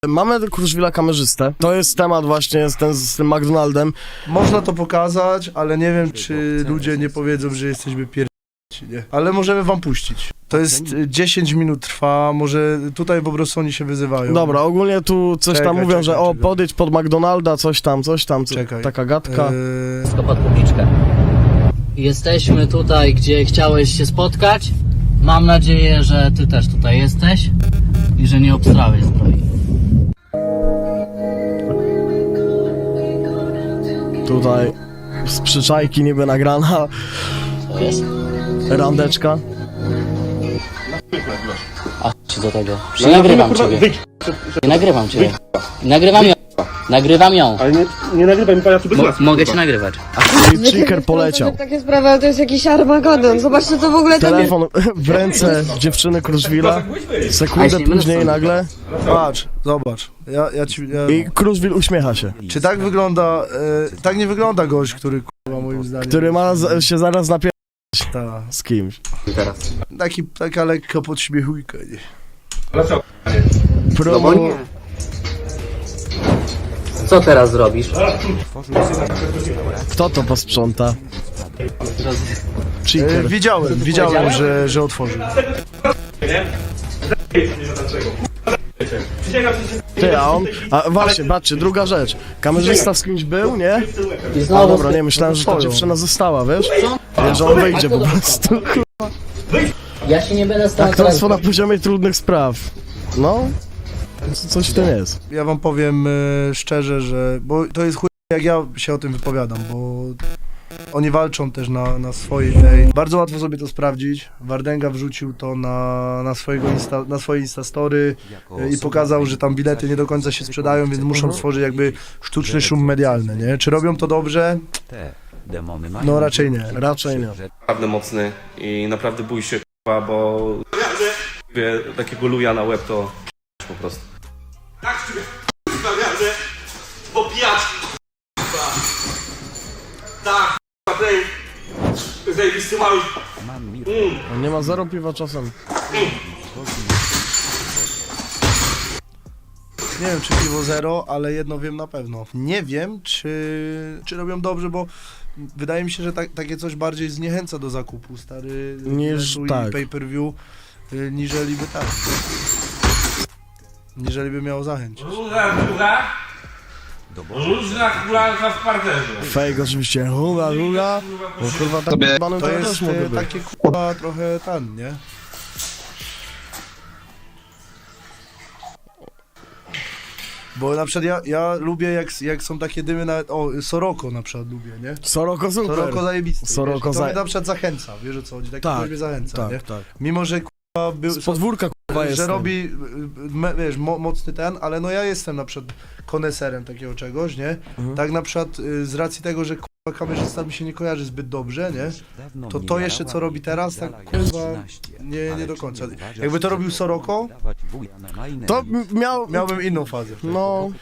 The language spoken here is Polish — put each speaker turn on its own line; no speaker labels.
Mamy Kruszwila kamerzystę. To jest temat właśnie z tym McDonaldem.
Można to pokazać, ale nie wiem, czy ludzie nie powiedzą, że jesteśmy pierdolnięci, nie? Ale możemy wam puścić. To jest 10 minut trwa, może tutaj po prostu oni się wyzywają.
Dobra, ogólnie tu coś tam
Czekaj,
mówią, że
czekaj.
podejdź pod McDonalda, coś tam,
Czekaj.
taka gadka.
Wszystko pod publiczkę. Jesteśmy tutaj, gdzie chciałeś się spotkać. Mam nadzieję, że ty też tutaj jesteś i że nie obstrałeś zbroi.
Tutaj z przyczajki niby nagrana
To jest?
randeczka.
A ci do tego. Nie nagrywam ciebie. Nie nagrywam ciebie. Nagrywam ją. Nagrywam ją.
Ale nie nagrywaj mi pajacu bez łaski.
Mogę cię nagrywać.
I Chicker poleciał.
Takie sprawy, ale to jest jakiś Armagedon. Zobaczcie, co w ogóle tam jest.
Telefon w ręce dziewczyny Kruszwila. Sekundę
A, jeśli nie
później
będę
nagle.
Patrz, zobacz.
I Kruszwil uśmiecha się.
Czy tak wygląda, tak nie wygląda gość, który kurwa moim zdaniem.
Który ma się zaraz napierdać
Ta,
z kimś.
Teraz.
taka lekka podśmiechujka, nie?
Co teraz zrobisz?
Kto to posprząta? Chicker.
Widziałem, że otworzył.
Ty, a właśnie, patrzcie, druga rzecz. Kamerzysta z kimś był, nie?
I
A
znowu.
dobra, nie, myślałem, że ta dziewczyna została, wiesz? Nie, że on wyjdzie po prostu.
Ja się nie będę stał.
Aktorstwo na poziomie trudnych spraw. No, coś w tym jest.
Ja wam powiem szczerze, że, bo to jest chuj, jak ja się o tym wypowiadam, bo oni walczą też na swojej tej. Bardzo łatwo sobie to sprawdzić. Wardęga wrzucił to na swoje Instastory i pokazał, że tam bilety nie do końca się sprzedają, więc muszą stworzyć jakby sztuczny szum medialny, nie? Czy robią to dobrze? No raczej nie.
Raczej nie.
Naprawdę mocny i naprawdę bój się k***a, bo takiego luja na łeb to po prostu.
Tak z ciebie sprawiamy, bo pijaczki k***a. Tak k***a, tej zajebisty mały.
On nie ma zero piwa czasem.
Nie wiem, czy piwo zero, ale jedno wiem na pewno. Nie wiem, czy robią dobrze, bo wydaje mi się, że takie coś bardziej zniechęca do zakupu, stary,
Niż
biletu
tak.
i pay-per-view, niżeli by miało zachęcić.
Różna kulanka w parterze.
Fake oczywiście, ruga. Bo kurwa tak banem
To
też
jest
mogę być.
takie kurwa trochę tan, nie? Bo na przykład ja lubię jak są takie dymy na... O, Soroko na przykład lubię, nie?
Soroko super.
Soroko zajebisty.
Soroko
wiesz, to mnie na przykład zachęca, wiesz o co chodzi? Taki ktoś mnie zachęca, nie?
tak.
Mimo, że kurwa był...
Z podwórka kurwa jest.
że robi, wiesz, mocny ten, ale no ja jestem na przykład koneserem takiego czegoś, nie? Tak na przykład z racji tego, że kurwa kamerzysta mi się nie kojarzy zbyt dobrze, nie? To jeszcze co robi teraz, tak kurwa nie do końca. Jakby to robił Soroko,
To miałbym
miałbym inną fazę.
No,